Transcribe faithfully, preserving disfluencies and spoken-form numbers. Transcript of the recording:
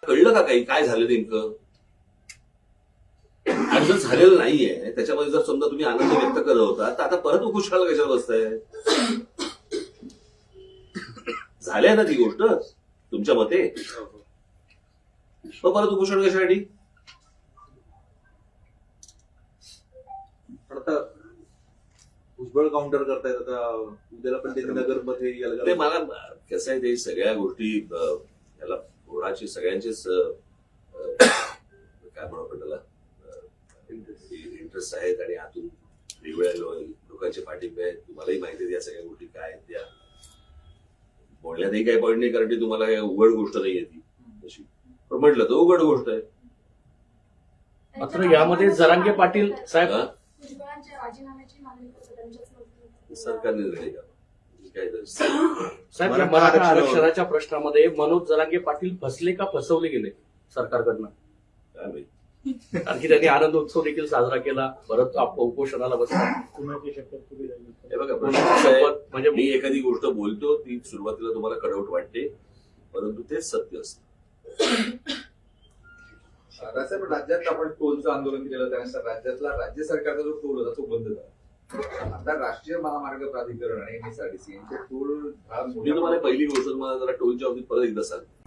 कळलं का काही काय झालं नेमकं? आणि जर झालेलं नाहीये त्याच्यामध्ये जर समजा तुम्ही आनंद व्यक्त करत होता तर आता परत उपोषणाला कशाला बसताय? झालंय ना ती गोष्ट तुमच्या मते, मग परत उपोषण कशासाठी? पण आता भुजबळ काउंटर करतायत, आता उद्याला पण ते नगरमध्ये ते मला कसं आहे, ते सगळ्या गोष्टी अं, याला कोणाची सगळ्यांचेच अं, काय म्हणू आपण त्याला इंटरेस्ट आहेत आणि आतून वेगवेगळ्या लोकांचे पाठिंबे आहेत. तुम्हालाही माहिती आहे या सगळ्या गोष्टी काय आहेत त्या. बोलण्यातही काही पॉईंट नाही कारण की तुम्हाला काही उघड गोष्ट नाही ती तशी, पण म्हटलं तर उघड गोष्ट आहे. मात्र यामध्ये जरांगे पाटील साहेब सरकारने निर्णय घ्यावा. काय तर साहेब या मराठा आरक्षणाच्या प्रश्नामध्ये मनोज जरांगे पाटील फसले का फसवले गेले सरकारकडनं? काय माहिती. कारण की त्यांनी आनंद उत्सव देखील साजरा केला, परत आप- उपोषणाला बसला. हे बघा प्रश्न असा आहे, म्हणजे मी एखादी गोष्ट बोलतो ती सुरुवातीला तुम्हाला कडवट वाटते परंतु तेच सत्य असतं. पण राज्यात आपण टोलचं आंदोलन केलं त्यानंतर राज्यातला राज्य सरकारचा जो टोल होता तो बंद झाला. आता राष्ट्रीय महामार्ग प्राधिकरण आणि एमएसआरटीसी यांचे टोल मी तुम्हाला पहिली गोष्ट तुम्हाला जरा टोलच्या बाबतीत परत एकदा सांगतो.